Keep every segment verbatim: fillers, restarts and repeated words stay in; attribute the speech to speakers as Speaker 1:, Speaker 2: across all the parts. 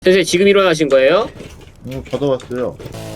Speaker 1: 선생님 지금 일어나신 거예요?
Speaker 2: 어, 받아왔어요.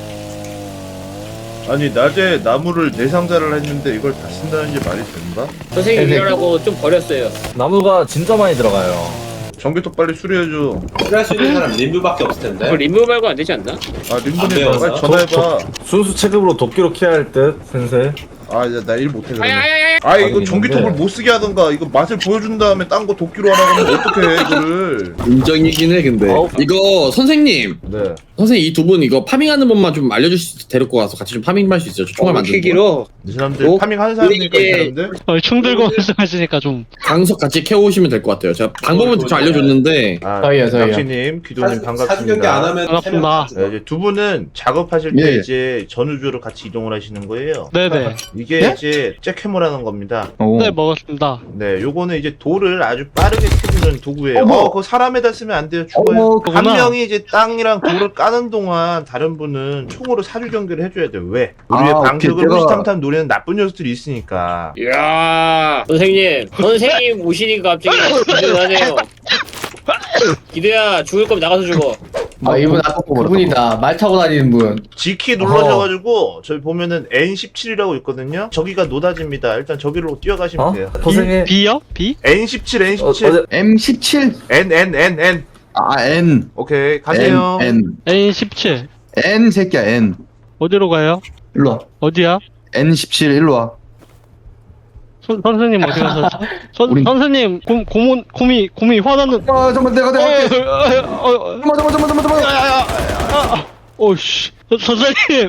Speaker 2: 아니 낮에 나무를 내상자를 했는데 이걸 다 쓴다는 게 말이 된다?
Speaker 1: 선생님
Speaker 3: 네네.
Speaker 1: 일어나고 좀 버렸어요.
Speaker 3: 나무가 진짜 많이 들어가요.
Speaker 2: 전기톱 빨리 수리해줘.
Speaker 4: 수리할 수 있는 사람 림브밖에 없을 텐데.
Speaker 1: 그거 림브 말고 안 되지 않나?
Speaker 2: 아
Speaker 4: 안
Speaker 2: 림보님
Speaker 4: 배웠어요?
Speaker 2: 빨리 전화해봐.
Speaker 3: 순수 체급으로 도끼로 키야 할 듯, 센세.
Speaker 2: 아 나 일 못해 그러면.
Speaker 1: 아야야야야!
Speaker 2: 아 이거
Speaker 3: 있는데.
Speaker 2: 전기톱을 못 쓰게 하던가. 이거 맛을 보여준 다음에 딴 거 도끼로 하라고 하면 어떻게 해 이거를.
Speaker 5: 인정이긴 해 근데
Speaker 3: 어우.
Speaker 5: 이거 선생님
Speaker 3: 네.
Speaker 5: 선생님 이 두 분 이거 파밍하는 법만 좀 알려주실 수 데리고 가서 같이 좀 파밍 할 수 있어요? 저 총알 만드는 거
Speaker 1: 키기로
Speaker 2: 이 사람들
Speaker 1: 어?
Speaker 2: 파밍하는 사람이니까 이
Speaker 1: 이게-
Speaker 2: 사람들.
Speaker 6: 어, 충 들고 말씀하시니까 좀
Speaker 5: 강석 같이 캐오시면 될 것 같아요. 제가 방법은 좀 알려줬는데
Speaker 2: 아
Speaker 3: 저희요, 저희요.
Speaker 2: 낚시님 귀도님
Speaker 4: 사주 경기 안
Speaker 2: 반갑습니다.
Speaker 4: 하면
Speaker 6: 반갑습니다.
Speaker 2: 네, 이제 두 분은 작업하실 때
Speaker 3: 예.
Speaker 2: 이제 전우주로 같이 이동을 하시는 거예요.
Speaker 6: 네네.
Speaker 2: 이게
Speaker 3: 예?
Speaker 2: 이제 잭해머라는 겁니다.
Speaker 3: 오.
Speaker 6: 네 먹었습니다.
Speaker 2: 네, 요거는 이제 돌을 아주 빠르게 캐주는 도구예요.
Speaker 3: 어머.
Speaker 2: 어, 그거 사람에다 쓰면 안 돼요. 죽어요.
Speaker 3: 어머,
Speaker 2: 한
Speaker 6: 그거구나.
Speaker 2: 명이 이제 땅이랑 돌을 까는 동안 다른 분은 총으로 사주 경기를 해줘야 돼요. 왜? 우리의
Speaker 3: 아,
Speaker 2: 방식을
Speaker 3: 오케이, 제가-
Speaker 2: 후시탐탐 노리는 나쁜 녀석들이 있으니까.
Speaker 1: 이야 선생님 선생님 오시니까 갑자기 기대하네요. 기대야 죽을 거면 나가서 죽어.
Speaker 7: 아 이분 아까 그분이다. 말 타고 다니는 분.
Speaker 2: G키 눌러셔가지고 저기 보면은 엔 십칠이라고 있거든요. 저기가 노다지입니다. 일단 저기로 뛰어가시면
Speaker 3: 어?
Speaker 2: 돼요.
Speaker 3: 선생님.
Speaker 6: B요? B?
Speaker 2: 엔 십칠, 엔
Speaker 3: 어,
Speaker 2: 십칠.
Speaker 3: 어제
Speaker 7: 엠 십칠.
Speaker 2: N, N, N, N.
Speaker 7: 아 N.
Speaker 2: 오케이, 가세요.
Speaker 7: N.
Speaker 6: N 십칠.
Speaker 7: N 새끼야 N.
Speaker 6: 어디로 가요?
Speaker 7: 일로 와.
Speaker 6: 어디야?
Speaker 7: N 십칠 일로 와.
Speaker 6: 선, 선생님 어디 가셨죠? 선,
Speaker 7: 우린-
Speaker 6: 선생님 고, 고문 고미 고미 화나는
Speaker 7: 아 잠깐 내가 내가 할게.
Speaker 6: 어, 어, 어,
Speaker 7: 잠깐 잠깐 잠깐 잠깐 잠깐.
Speaker 6: 오씨 선생님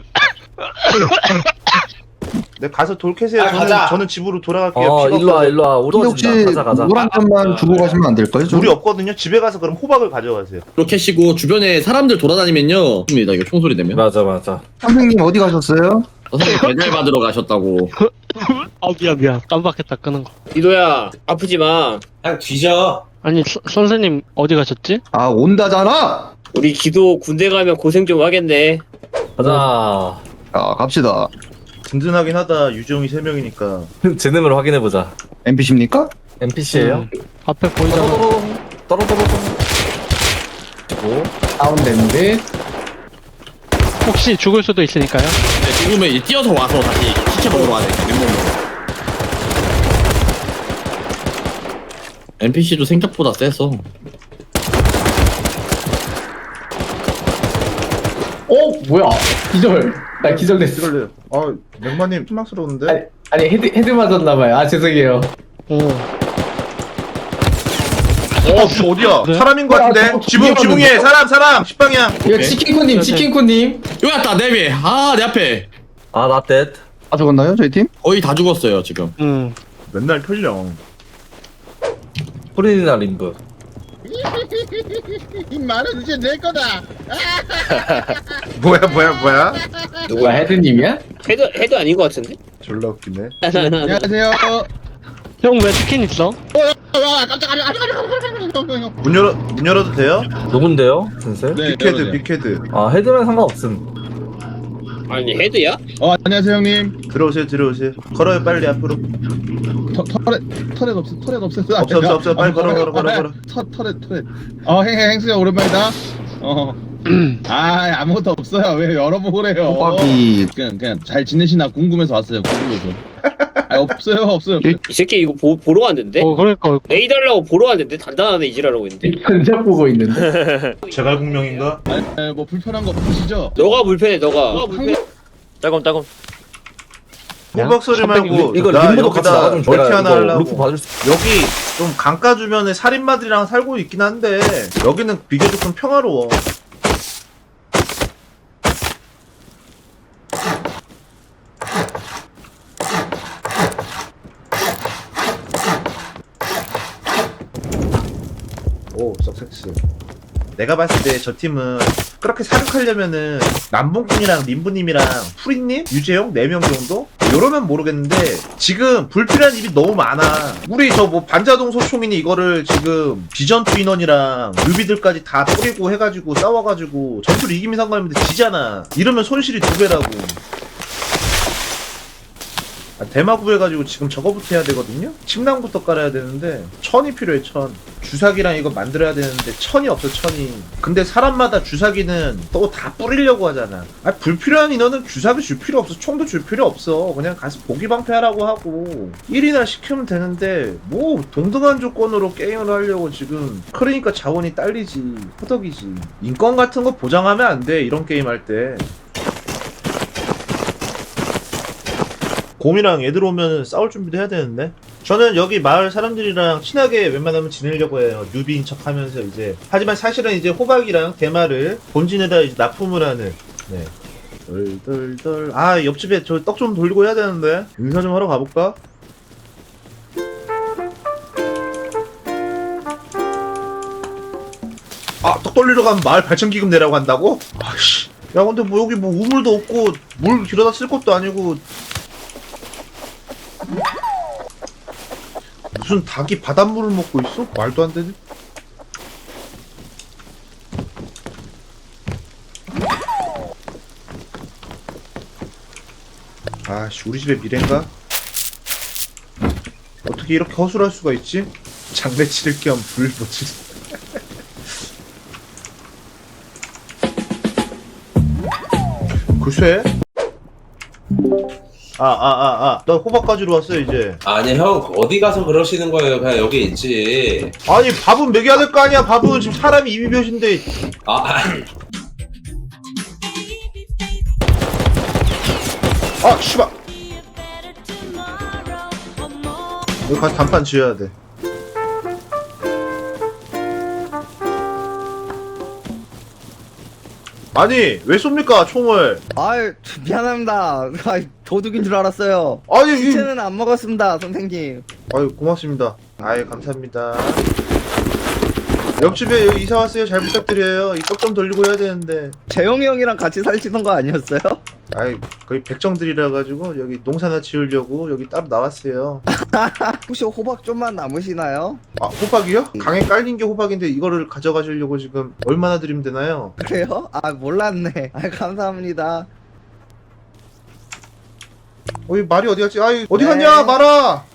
Speaker 2: 네, 가서 돌 캐세요.
Speaker 4: 아,
Speaker 2: 저는,
Speaker 4: 가자.
Speaker 2: 저는 집으로 돌아갈게요.
Speaker 3: 어,
Speaker 2: 피가
Speaker 3: 일로 와,
Speaker 2: 없어서.
Speaker 3: 일로 와.
Speaker 7: 근데 혹시
Speaker 3: 우도진다. 가자, 가자.
Speaker 7: 노란 점만 주고 가시면 안 될까요? 좀?
Speaker 2: 물이 없거든요. 집에 가서 그럼 호박을 가져가세요.
Speaker 5: 그렇게 하시고 주변에 사람들 돌아다니면요 입니다 이거 총소리 되면
Speaker 3: 맞아, 맞아.
Speaker 7: 선생님 어디 가셨어요?
Speaker 5: 선생님 배달 받으러 가셨다고.
Speaker 6: 아 미안 미안 깜빡했다 끄는 거.
Speaker 1: 기도야 아프지 마.
Speaker 4: 그냥 뒤져.
Speaker 6: 아니 서, 선생님 어디 가셨지?
Speaker 7: 아 온다잖아.
Speaker 1: 우리 기도 군대 가면 고생 좀 하겠네.
Speaker 3: 가자.
Speaker 7: 자 갑시다.
Speaker 2: 든든하긴 하다. 유정이 세 명이니까.
Speaker 3: 재능을 확인해보자.
Speaker 7: 엔피씨입니까?
Speaker 3: 엔피씨예요
Speaker 6: 음, 앞에 보이잖아.
Speaker 3: 떨어떨어떨어. 오.
Speaker 7: 다운됐는데.
Speaker 6: 혹시 죽을 수도 있으니까요.
Speaker 5: 네, 죽으면 이제 뛰어서 와서 다시 시체 먹으러 와야 돼. 맨몸으로. 엔피씨도 생각보다 세서.
Speaker 7: 어 뭐야? 기절. 나 기절됐어.
Speaker 2: 이걸요. 아, 맥마님 실망스러운데?
Speaker 7: 아니, 아니 헤드 헤드 맞았나봐요. 아 죄송해요.
Speaker 6: 오.
Speaker 2: 어, 지금 어디야?
Speaker 6: 네?
Speaker 2: 사람인 것 같은데?
Speaker 7: 아, 저-
Speaker 2: 지붕,
Speaker 7: 저기
Speaker 2: 지붕에 사람, 사람! 십방향!
Speaker 7: 이거 치킨코님 치킨코님.
Speaker 5: 여기 왔다 내 위에. 아 내 앞에.
Speaker 3: 아, 나 댓.
Speaker 7: 아 죽었나요 저희 팀?
Speaker 5: 거의 다 죽었어요 지금.
Speaker 6: 음.
Speaker 2: 맨날 털령.
Speaker 3: 프린이나 림브.
Speaker 8: 이 말은 이제 내 거다.
Speaker 2: 뭐야, 뭐야, 뭐야?
Speaker 7: 누구야 헤드님이야?
Speaker 1: 헤드 헤드 아닌 것 같은데?
Speaker 2: 졸라 웃기네.
Speaker 8: 안녕하세요.
Speaker 6: 형 왜 치킨 있어?
Speaker 8: 와 깜짝이야.
Speaker 2: 문 열어, 문 열어도 돼요?
Speaker 3: 누군데요, 센세?
Speaker 8: 네,
Speaker 2: 빅헤드,
Speaker 8: 열어주세요.
Speaker 2: 빅헤드.
Speaker 3: 아, 헤드면 상관없음.
Speaker 1: 아니 헤드야?
Speaker 8: 어 안녕하세요 형님.
Speaker 2: 들어오세요, 들어오세요. 걸어요, 빨리 앞으로.
Speaker 8: 터, 터렛 터렛 없어 터렛 없어.
Speaker 2: 없어, 없어, 없어. 빨리 걸어, 걸어, 걸어, 걸어.
Speaker 8: 터 터렛 터렛. 어 행행 행수야 오랜만이다. 어. 아 아무것도 없어요. 왜 열어보래요?
Speaker 7: 호박이
Speaker 8: 그냥 그냥 잘 지내시나 궁금해서 왔어요. 궁금해서. 아 없어요 없어요.
Speaker 7: 일-
Speaker 1: 이 새끼 이거 보, 보러 왔는데?
Speaker 6: 어 그러니까
Speaker 1: A 달라고 보러 왔는데 단단하네 이지라고 있는데.
Speaker 7: 견적 보고 있는데.
Speaker 2: 제갈공명인가?
Speaker 8: 아, 뭐 불편한 거 없으시죠?
Speaker 1: 너가 불편해 너가. 따검 따검.
Speaker 2: 호박 소리 말고.
Speaker 3: 이거
Speaker 2: 나
Speaker 3: 림브도 같이
Speaker 2: 여기다
Speaker 3: 나가 좀
Speaker 2: 멀티
Speaker 3: 줘야
Speaker 2: 하나
Speaker 3: 이거
Speaker 2: 하려고.
Speaker 3: 루프 봐줄 수.
Speaker 2: 여기 좀 강가 주변에 살인마들이랑 살고 있긴 한데 여기는 비교적 좀 평화로워. 오, 석섹스. 내가 봤을 때 저 팀은 그렇게 사격하려면은 남봉꾼이랑 림부님이랑 프리님, 유재용 네 명 정도? 이러면 모르겠는데 지금 불필요한 일이 너무 많아. 우리 저 뭐 반자동 소총이니 이거를 지금 비전투 인원이랑 뮤비들까지 다 뿌리고 해가지고 싸워가지고 전투를 이기면 상관없는데 지잖아. 이러면 손실이 두 배라고. 아, 대마 구해가지고 지금 저거부터 해야 되거든요. 침낭부터 깔아야 되는데 천이 필요해. 천. 주사기랑 이거 만들어야 되는데 천이 없어. 천이. 근데 사람마다 주사기는 또 다 뿌리려고 하잖아. 아 불필요한 인원은 주사기 줄 필요 없어. 총도 줄 필요 없어. 그냥 가서 보기 방패하라고 하고 일이나 시키면 되는데 뭐 동등한 조건으로 게임을 하려고 지금. 그러니까 자원이 딸리지. 허덕이지. 인권 같은 거 보장하면 안 돼. 이런 게임 할 때. 곰이랑 애들 오면 싸울 준비도 해야 되는데. 저는 여기 마을 사람들이랑 친하게 웬만하면 지내려고 해요. 뉴비인 척 하면서 이제. 하지만 사실은 이제 호박이랑 대마를 본진에다 이제 납품을 하는. 네. 덜덜덜. 아, 옆집에 저 떡 좀 돌리고 해야 되는데. 인사 좀 하러 가볼까? 아, 떡 돌리러 가면 마을 발전기금 내라고 한다고? 아씨. 야, 근데 뭐 여기 뭐 우물도 없고 물 길어다 쓸 것도 아니고. 무슨 닭이 바닷물을 먹고 있어? 말도 안 되네. 아씨, 우리 집의 미래인가? 어떻게 이렇게 허술할 수가 있지? 장례 치를 겸 불 붙일. 글쎄. 아, 아, 아, 아. 나 호박 가지러 왔어, 이제.
Speaker 4: 아니 형 어디 가서 그러시는 거예요? 그냥 여기 있지.
Speaker 2: 아니, 밥은 먹여야 될 거 아니야, 밥은. 지금 사람이 이미 벼신데.
Speaker 4: 아,
Speaker 2: 아, 씨발. 여기 가서 단판 지어야 돼. 아니, 왜 쏩니까, 총을?
Speaker 9: 아유, 미안합니다. 아이, 도둑인 줄 알았어요.
Speaker 2: 아니, 이...
Speaker 9: 시체는 안 먹었습니다, 선생님.
Speaker 2: 아유, 고맙습니다. 아유, 감사합니다. 옆집에 여기 이사 왔어요. 잘 부탁드려요. 이 떡 좀 돌리고 해야 되는데.
Speaker 9: 재영이 형이랑 같이 살시던 거 아니었어요?
Speaker 2: 아이, 거의 백정들이라 가지고 여기 농사나 지으려고 여기 따로 나왔어요.
Speaker 9: 혹시 호박 좀만 남으시나요?
Speaker 2: 아, 호박이요? 강에 깔린 게 호박인데 이거를 가져가시려고 지금 얼마나 드리면 되나요?
Speaker 9: 그래요? 아, 몰랐네. 아, 감사합니다.
Speaker 2: 어이, 말이 어디 갔지? 아이, 어디
Speaker 9: 네.
Speaker 2: 갔냐, 말아! 어,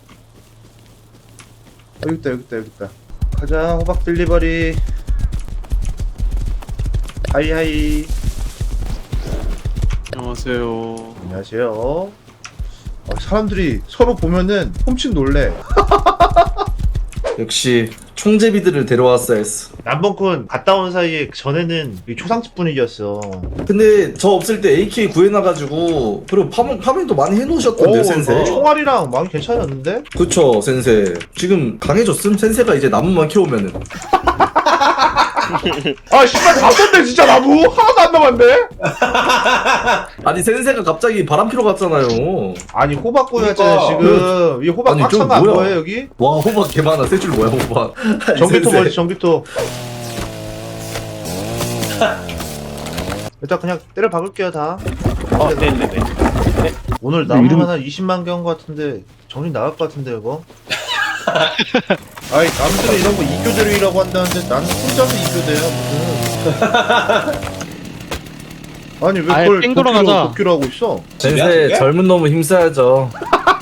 Speaker 2: 여기 있다, 여기 있다, 여기 있다. 가자, 호박 딜리버리. 하이하이.
Speaker 6: 안녕하세요.
Speaker 2: 안녕하세요. 어, 사람들이 서로 보면은 훔친 놀래.
Speaker 3: 역시 총제비들을 데려왔어야 했어.
Speaker 2: 남봉꾼 갔다 온 사이에 전에는 이 초상집 분위기였어.
Speaker 3: 근데 저 없을 때 에이케이 구해놔가지고 그리고 파밍, 파밍도 많이 해놓으셨던데요,
Speaker 2: 오,
Speaker 3: 센세?
Speaker 2: 총알이랑 많이 괜찮았는데?
Speaker 3: 그쵸, 센세. 지금 강해졌음? 센세가 이제 나무만 키우면은.
Speaker 2: 아, 씨발, 다 썼네, 진짜 나무! 하나도 안 남았네?
Speaker 3: 아니, 센세가 갑자기 바람 피러 갔잖아요.
Speaker 2: 아니, 호박 구였잖아요,
Speaker 4: 그러니까.
Speaker 2: 지금. 이 호박
Speaker 3: 아니,
Speaker 2: 꽉
Speaker 3: 좀
Speaker 2: 찬 거 안
Speaker 3: 뭐야.
Speaker 2: 보여요, 여기?
Speaker 3: 와, 호박 개 많아. 세 줄 뭐야, 호박.
Speaker 2: 전기톱
Speaker 3: 센세.
Speaker 2: 멀지, 전기톱. 일단 그냥 때려 박을게요, 다.
Speaker 1: 어, 네네네.
Speaker 2: 오늘 나무만 한 이십만 개 한 거 같은데, 정신 나갈 것 같은데, 이거? 아이, 남들은 이런 거 이교대로이라고 한다는데 나는 혼자서 이교대야, 무슨. 아니, 왜
Speaker 6: 아예
Speaker 2: 그걸
Speaker 6: 뺑
Speaker 2: 도끼로,
Speaker 6: 돌아가자.
Speaker 2: 도끼로 하고 있어?
Speaker 4: 집이야,
Speaker 3: 센세,
Speaker 4: 저게?
Speaker 3: 젊은 놈은 힘써야죠.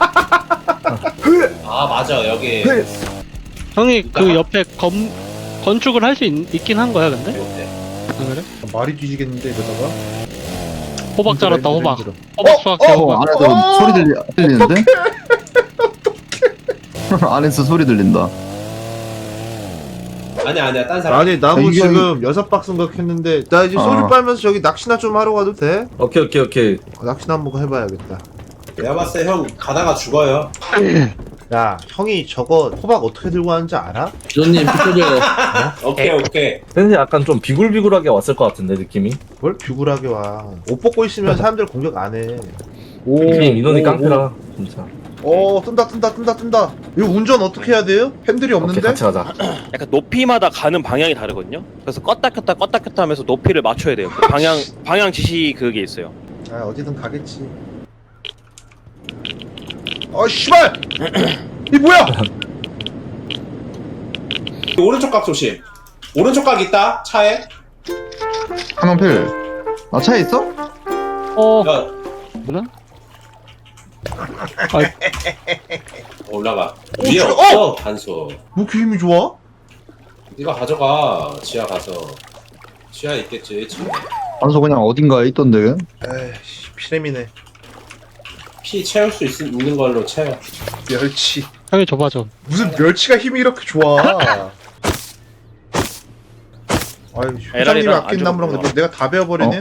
Speaker 4: 아 맞아 여기.
Speaker 6: 형이 그 옆에 검 건축을 할 수 있긴 한 거야, 근데? 안 그래?
Speaker 2: 말이 뒤지겠는데, 이러다가?
Speaker 6: 호박 자랐다,
Speaker 2: 힘들어,
Speaker 6: 호박.
Speaker 2: 힘들어.
Speaker 6: 호박
Speaker 2: 어,
Speaker 6: 수확해,
Speaker 2: 어,
Speaker 6: 호박.
Speaker 2: 안에서 어! 소리 들리,
Speaker 10: 들리는데? 안에서 소리 들린다.
Speaker 4: 아니 아니야 딴 사람.
Speaker 2: 아니, 나무
Speaker 10: 이게-
Speaker 2: 지금 여섯 박스 생각했는데, 나 이제 소리
Speaker 10: 어.
Speaker 2: 빨면서 저기 낚시나 좀 하러 가도 돼?
Speaker 3: 오케이, 오케이, 오케이.
Speaker 2: 어, 낚시나 한번 해봐야겠다.
Speaker 4: 내가 봤을 때 형 가다가 죽어요.
Speaker 2: 야, 형이 저거 호박 어떻게 들고 왔는지 알아?
Speaker 5: 기존님 피터베어.
Speaker 4: 오케이 오케이.
Speaker 3: 센세 약간 좀 비굴비굴하게 왔을 것 같은데, 느낌이.
Speaker 2: 뭘 비굴하게 와. 옷 벗고 있으면 사람들 공격 안 해.
Speaker 3: 느낌 인원이 깡패라, 진짜.
Speaker 2: 어, 뜬다, 뜬다, 뜬다, 뜬다. 이거 운전 어떻게 해야 돼요? 핸들이
Speaker 3: 오케이,
Speaker 2: 없는데?
Speaker 3: 같이 가자.
Speaker 11: 약간 높이마다 가는 방향이 다르거든요. 그래서 껐다 켰다 껐다 켰다 하면서 높이를 맞춰야 돼요. 그 방향 방향 지시 그게 있어요.
Speaker 2: 아, 어디든 가겠지. 아, 씨발! 이 뭐야?
Speaker 4: 오른쪽 각 조심. 오른쪽 각 있다 차에.
Speaker 10: 한명필. 아, 차에 있어?
Speaker 6: 어,
Speaker 4: 야
Speaker 6: 뭐야?
Speaker 4: 올라가.
Speaker 2: 오,
Speaker 4: 위에
Speaker 2: 저-
Speaker 4: 없어 단소.
Speaker 2: 뭐 이렇게 힘이 좋아?
Speaker 4: 네가 가져가. 지하 가서. 지하에 있겠지. 지금.
Speaker 10: 단소 그냥 어딘가에 있던데.
Speaker 2: 에이씨 피렘이네.
Speaker 4: 피 채울 수 있, 있는 걸로 채워.
Speaker 2: 멸치.
Speaker 6: 형이 줘봐 좀.
Speaker 2: 무슨 멸치가 힘이 이렇게 좋아? 아유 회장님이
Speaker 11: 에라리랑
Speaker 2: 아낀
Speaker 11: 안
Speaker 2: 나무랑
Speaker 11: 죽었구나.
Speaker 2: 내가 다 베어버리네.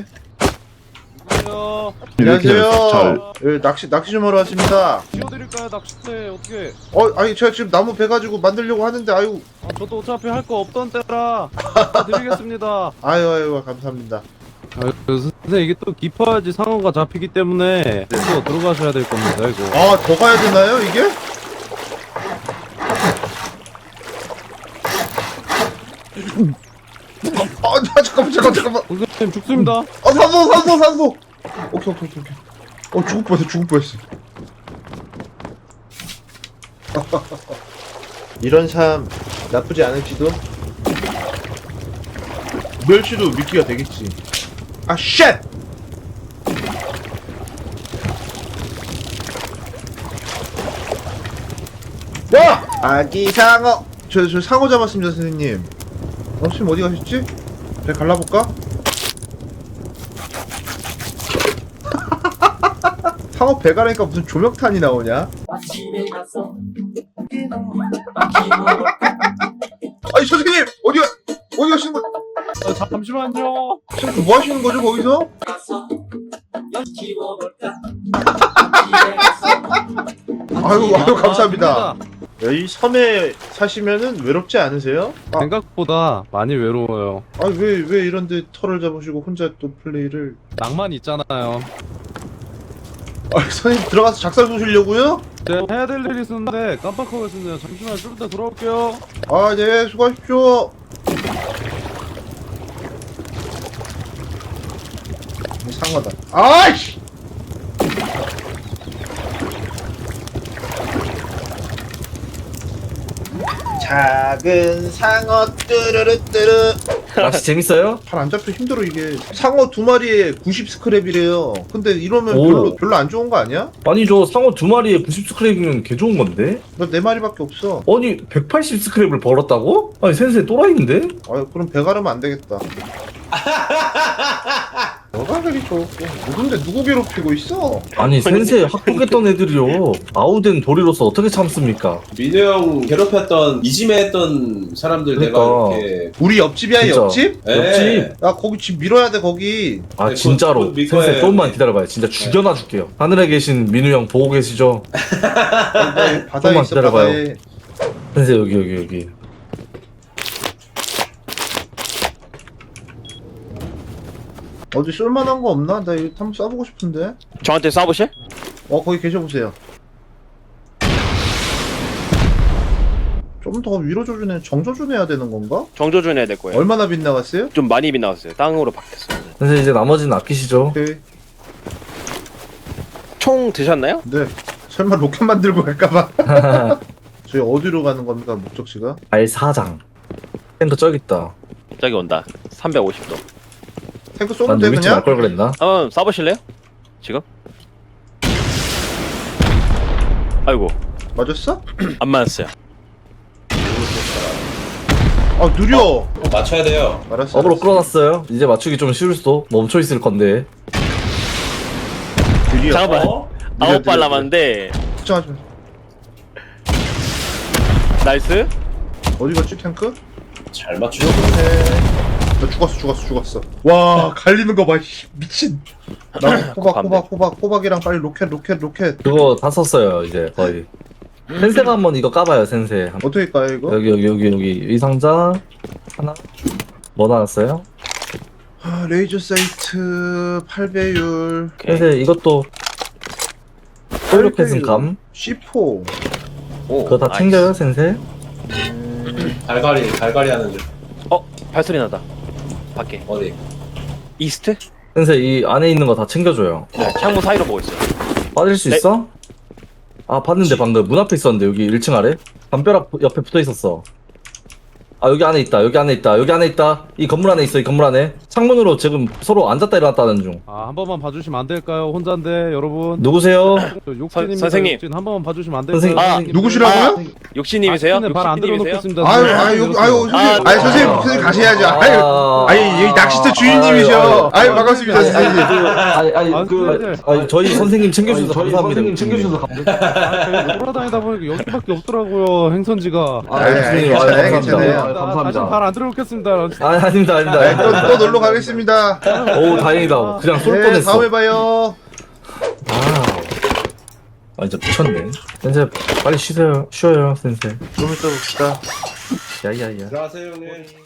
Speaker 10: 이렇게
Speaker 2: 안녕하세요.
Speaker 10: 잘.
Speaker 2: 예, 낚시 낚시 좀 하러 왔습니다.
Speaker 12: 띄워드릴까요? 낚싯대 어떻게?
Speaker 2: 어, 아니 제가 지금 나무 배 가지고 만들려고 하는데 아유,
Speaker 12: 아, 저도 어차피 할 거 없던 때라 다 드리겠습니다.
Speaker 2: 아유, 아유, 감사합니다.
Speaker 12: 아, 선생님 이게 또 깊어야지 상어가 잡히기 때문에 또 들어가셔야 될 겁니다 이거.
Speaker 2: 아, 더 가야 되나요 이게? 아, 아, 잠깐만, 잠깐만, 잠깐만.
Speaker 12: 선생님 죽습니다.
Speaker 2: 아, 산소, 산소, 산소. 오케이, 오케이, 오케이, 오케이. 어, 죽을 뻔했어, 죽을 뻔했어. 이런 삶 나쁘지 않을지도. 멸치도 미끼가 되겠지. 아, 쉣! 와! 아기 상어! 저, 저 상어 잡았습니다, 선생님. 어, 선생님 어디 가셨지? 배 갈라볼까? 상어 배 가라니까 무슨 조명탄이 나오냐? 아니, 선생님! 어디 가, 어디 가시는 거,
Speaker 12: 아, 잠시만요.
Speaker 2: 선생님 뭐 하시는 거죠, 거기서? 아유, 아유, 감사합니다. 이 섬에 사시면은 외롭지 않으세요? 아,
Speaker 12: 생각보다 많이 외로워요.
Speaker 2: 아, 왜, 왜 이런데 털을 잡으시고 혼자 또 플레이를.
Speaker 12: 낭만 있잖아요.
Speaker 2: 아, 선생님 들어가서 작살 쏘시려고요?
Speaker 12: 제가 해야 될 일이 있었는데 깜빡하고 있었네요. 잠시만 좀 이따 돌아올게요.
Speaker 2: 아, 네, 수고하십시오. 상어다. 아이씨! 작은 상어 뚜루루뚜루.
Speaker 3: 낚시 재밌어요?
Speaker 2: 잘 안 잡혀 힘들어 이게. 상어 두 마리에 구십 스크랩이래요. 근데 이러면
Speaker 3: 오.
Speaker 2: 별로 별로 안 좋은 거 아니야?
Speaker 3: 아니죠. 상어 두 마리에 구십 스크랩이면 개 좋은 건데?
Speaker 2: 너 네 마리밖에 없어.
Speaker 3: 아니 백팔십 스크랩을 벌었다고? 아니 센세 또라이인데?
Speaker 2: 아, 그럼 배 가르면 안 되겠다. 너가 그리 좋고 누군데 누구 괴롭히고 있어?
Speaker 3: 아니 센세 학폭했던 애들이요. 아우된 도리로서 어떻게 참습니까?
Speaker 4: 민우 형 괴롭혔던 이지매했던 사람들
Speaker 3: 그러니까.
Speaker 4: 내가 이렇게.
Speaker 2: 우리 옆집이야
Speaker 3: 진짜.
Speaker 2: 옆집?
Speaker 4: 예.
Speaker 3: 옆집?
Speaker 2: 야 거기 집 밀어야 돼 거기.
Speaker 3: 아
Speaker 4: 네,
Speaker 3: 진짜로
Speaker 4: 그건 믿고
Speaker 3: 센세
Speaker 4: 해요.
Speaker 3: 조금만 기다려봐요. 진짜 죽여놔 줄게요. 하늘에 계신 민우 형 보고 계시죠?
Speaker 2: 네, 바다에
Speaker 3: 조금만
Speaker 2: 있어
Speaker 3: 기다려봐요.
Speaker 2: 바다에.
Speaker 3: 센세 여기 여기 여기.
Speaker 2: 어디 쓸만한 거 없나? 나 이거 한번 써보고 싶은데.
Speaker 11: 저한테 쏴보실?
Speaker 2: 어 거기 계셔보세요. 좀 더 위로 조준해 정조준해야 되는 건가?
Speaker 11: 정조준 해야 될 거예요.
Speaker 2: 얼마나 빗나갔어요?
Speaker 11: 좀 많이 빗나갔어요. 땅으로 바뀌었어요.
Speaker 3: 센세 이제 나머지는 아끼시죠?
Speaker 2: 오케이.
Speaker 11: 총 드셨나요?
Speaker 2: 네. 설마 로켓 만들고 갈까봐. 저희 어디로 가는 겁니까 목적지가?
Speaker 3: 알사장. 탱크 저기 있다.
Speaker 11: 저기 온다. 삼백오십 도.
Speaker 2: 탱크
Speaker 3: 난
Speaker 2: 쏘면 돼
Speaker 3: 누비치
Speaker 2: 그냥?
Speaker 3: 말걸 그랬나?
Speaker 11: 한번 쏴보실래요? 지금? 아이고
Speaker 2: 맞았어?
Speaker 11: 안 맞았어요.
Speaker 2: 아 느려.
Speaker 4: 꼭 맞춰야 돼요.
Speaker 2: 알았어.
Speaker 3: 업으로
Speaker 2: 알았어.
Speaker 3: 끌어놨어요. 이제 맞추기 좀 쉬울 수도. 멈춰 있을 건데.
Speaker 2: 느려.
Speaker 11: 잠깐만.
Speaker 4: 어?
Speaker 2: 느려,
Speaker 11: 아홉 발
Speaker 2: 느려,
Speaker 11: 남았는데
Speaker 2: 걱정하지 마.
Speaker 11: 나이스.
Speaker 2: 어디 갔지 탱크?
Speaker 4: 잘 맞추죠.
Speaker 2: 네. 나 죽었어 죽었어 죽었어. 와 갈리는 거 봐. 씨, 미친. 나 호박 호박 호박 호박이랑 빨리 로켓 로켓 로켓.
Speaker 3: 그거 다 썼어요 이제 거의. 센세가 한번 이거 까봐요 센세.
Speaker 2: 어떻게 까요 이거?
Speaker 3: 여기 여기 여기 여기 이 상자 하나. 뭐 나왔어요?
Speaker 2: 아, 레이저 사이트 팔 배율
Speaker 3: 센세 이것도 폴로켓은 감.
Speaker 2: 씨 포.
Speaker 11: 오,
Speaker 3: 그거 다
Speaker 11: 나이스.
Speaker 3: 챙겨요 센세?
Speaker 4: 갈갈이 갈갈이 하는 줄.
Speaker 11: 어 발소리 나다. 밖에.
Speaker 4: 어디?
Speaker 11: 이스트?
Speaker 3: 센세 이 안에 있는 거 다 챙겨줘요.
Speaker 11: 네, 창문 사이로 보고 있어요.
Speaker 3: 빠질 수
Speaker 11: 네.
Speaker 3: 있어? 아 봤는데 방금 문 앞에 있었는데 여기 일 층 아래? 담벼락 옆에 붙어 있었어. 아 여기 안에 있다 여기 안에 있다 여기 안에 있다 이 건물 안에 있어 이 건물 안에 창문으로 지금 서로 앉았다 일어났다는 중.
Speaker 12: 아, 한 번만 봐주시면 안 될까요? 혼자인데 여러분.
Speaker 3: 누구세요?
Speaker 12: 저 욕진입니다.
Speaker 11: 선생님.
Speaker 12: 욕진. 한 번만 봐주시면 안 될까요?
Speaker 3: 선생님.
Speaker 11: 아,
Speaker 2: 누구시라고요?
Speaker 11: 욕신님이세요?
Speaker 12: 발안
Speaker 11: 욕신님이세요?
Speaker 12: 들어놓겠습니다.
Speaker 2: 아유, 아유, 여기, 아유, 선생님,
Speaker 11: 아,
Speaker 2: 아유, 선생님, 선생님 가셔야죠. 아유,
Speaker 3: 아,
Speaker 2: 아니, 여기 낚시터 주인님이셔. 아유, 반갑습니다, 선생님.
Speaker 3: 아니 아니
Speaker 12: 아,
Speaker 3: 그
Speaker 12: 선생님.
Speaker 3: 아니 저희 선생님 챙겨주셔서 감사합니다. 선생님 챙겨주셔서
Speaker 12: 아, 돌아다니다 보니까 여기밖에 없더라고요. 행선지가.
Speaker 3: 아,
Speaker 2: 아유,
Speaker 3: 선생님,
Speaker 2: 괜찮아요,
Speaker 3: 아유,
Speaker 2: 괜찮아요.
Speaker 3: 감사합니다.
Speaker 12: 다시 발안 들어놓겠습니다.
Speaker 3: 아 아닙니다 아닙니다.
Speaker 2: 네, 또, 또 놀러 가겠습니다.
Speaker 3: 오 다행이다. 그냥 쏠
Speaker 2: 네,
Speaker 3: 뻔했어.
Speaker 2: 다음에 봐요.
Speaker 3: 아 진짜 미쳤네. 선생 빨리 쉬세요 쉬어요 선생.
Speaker 2: 좀 이따 봅시다.
Speaker 3: 야야야.
Speaker 4: 들어가세요 형님.